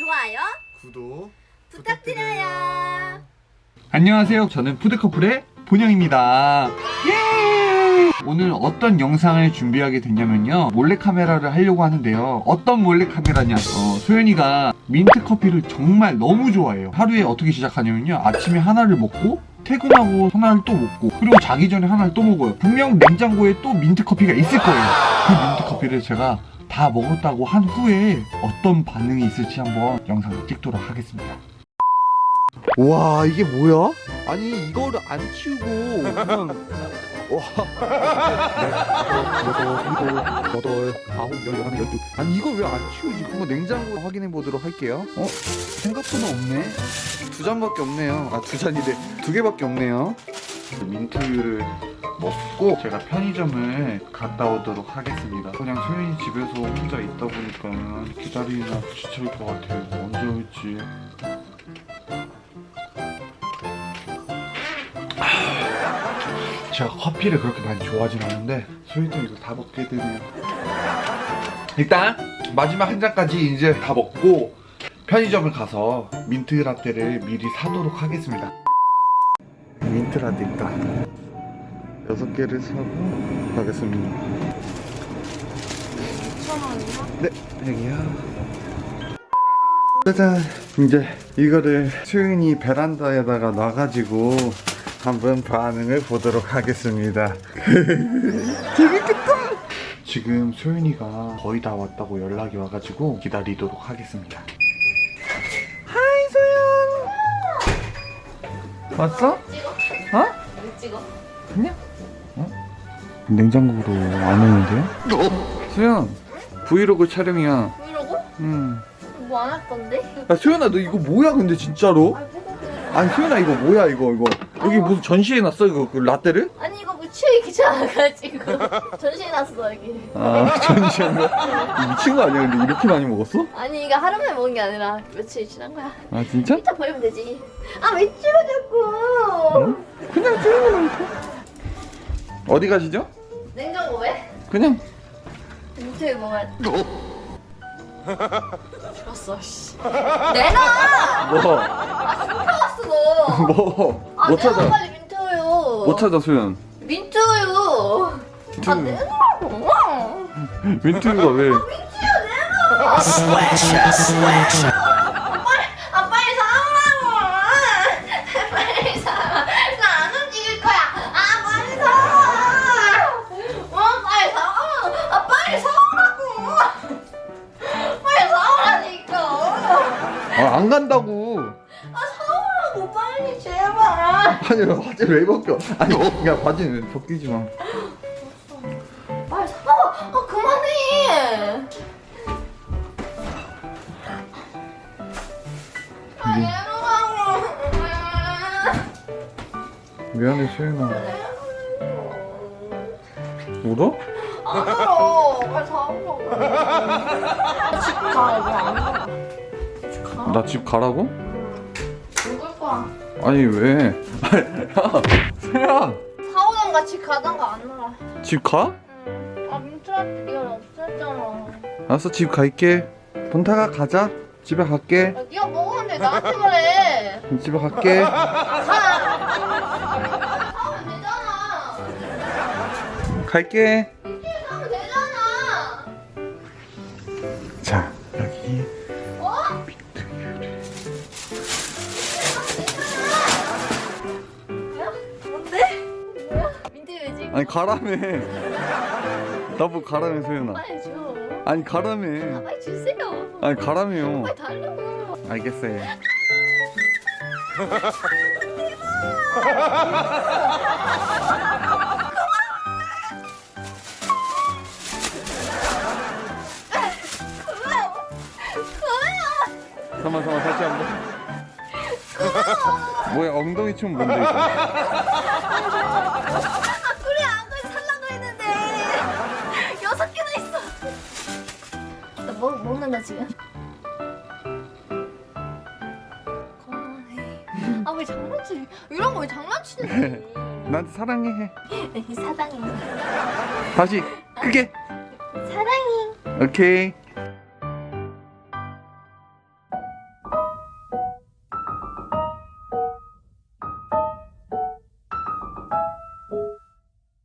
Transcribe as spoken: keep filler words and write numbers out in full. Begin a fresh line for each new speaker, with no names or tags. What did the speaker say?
좋아요,
구독
부탁드려요.
안녕하세요. 저는 푸드커플의 본영입니다. 예! 오늘 어떤 영상을 준비하게 됐냐면요, 몰래카메라를 하려고 하는데요. 어떤 몰래카메라냐, 어, 소연이가 민트커피를 정말 너무 좋아해요. 하루에 어떻게 시작하냐면요, 아침에 하나를 먹고 퇴근하고 하나를 또 먹고 그리고 자기 전에 하나를 또 먹어요. 분명 냉장고에 또 민트커피가 있을 거예요. 그 민트커피를 제가 다 먹었다고 한 후에 어떤 반응이 있을지 한번 영상을 찍도록 하겠습니다.
와, 이게 뭐야? 아니 이거를 안 치우고 그냥 와 여섯, 일곱, 여덟, 아홉, 열, 열하나, 열두. 아니 이걸 왜 안 치우지? 그거 냉장고 확인해 보도록 할게요. 어? 생각보다 없네. 두 잔밖에 없네요. 아, 두 잔이래. 두 개밖에 없네요.
민트를 먹고 제가 편의점을 갔다 오도록 하겠습니다. 그냥 소연이 집에서 혼자 있다 보니까 기다리느라 지칠 것 같아요. 언제 올지. 제가 커피를 그렇게 많이 좋아하진 않는데 소연이도 이거 다 먹게 되네요. 일단 마지막 한 잔까지 이제 다 먹고 편의점을 가서 민트 라떼를 미리 사도록 하겠습니다.
민트 라떼 있다. 여섯 개를 사고 가겠습니다.
이천 원이요?
네, 여기요. 짜잔. 이제 이거를 소윤이 베란다에다가 놔가지고 한번 반응을 보도록 하겠습니다. 재밌겠다.
지금 소윤이가 거의 다 왔다고 연락이 와가지고 기다리도록 하겠습니다.
하이 소연. 왔어?
찍어?
어?
왜 찍어?
그냥? 어? 냉장고로 안 오는데요? 소연, 브이로그 촬영이야.
이러고?
음.
뭐 안 할 건데?
야 소연아, 너 이거 뭐야 근데 진짜로?
아, 뭐가 그래?
아니 소연아, 이거 뭐야 이거 이거 여기 무슨 전시해놨어 이거 그 라떼를?
아니 이거 뭐 치우기 귀찮아가지고 전시해놨어 여기.
아 전시한 거야? 미친 거 아니야? 근데 이렇게 많이 먹었어?
아니 이거 하루 만에 먹은 게 아니라 며칠 지난 거야.
아 진짜?
이따 버리면 되지. 아 왜 치워 자꾸?
어? 그냥 찍어놓고. 어디 가시죠?
냉장고 왜?
그냥.
밑에 먹어야 돼. 죽었어 씨. 내놔!
뭐?
아 숨겨왔어 너.
뭐?
아
못
내놔
찾아.
빨리 민트우유.
못 찾아 소연.
민트우유.
민트.
아 내놔.
민트가 왜?
민트우유 내놔. 아 빨리 사오라고. 빨리 사. 나 안 움직일 거야. 아 빨리 사. 어 빨리 사. 아 빨리 사오라고. 빨리 사오라니까.
아, 안 간다고.
아 사오라고 빨리 제발.
아니 바지 왜 벗겨? 아니 야 바지는 벗기지 마.
빨리 사와. 아 그만해. 아 내려가고.
미안해 소연아. 울어?
안 울어. 빨리 사오라고. 집 가. 왜안 가? 집 가.
나 집 가라고?
먹을 거야.
아니 왜? 야 소연.
사오던 같이 가던가 안 놀아.
집 가?
응. 아 민트라떼 네가 없앴잖아.
알았어 집 갈게. 본타가 가자. 집에 갈게.
야, 네가 먹었는데 나한테 말해.
집에 갈게.
가. 사오면 되잖아.
갈게.
민트에 사오면 되잖아.
자 여기
어? 뭐야? 뭔데? 뭐야? 민트 왜 지금?
아니 가라며. 나보고 가라며 소연아.
빨리 줘.
아니
아,
가라며.
빨리 주세요.
아니 가라며.
빨리 달라고.
알겠어요. 잠깐만 잠깐만 다시 한번. 뭐야 엉덩이 춤 뭔데 이거?
아 그래 안 그래 살라고 했는데 여섯 개나 있어. 나 뭐, 먹는다 지금. 그만해. 아 왜 장난치? 이런 거 왜 장난치는데?
나한테 사랑해 해.
사랑해.
다시 크게.
사랑해.
오케이.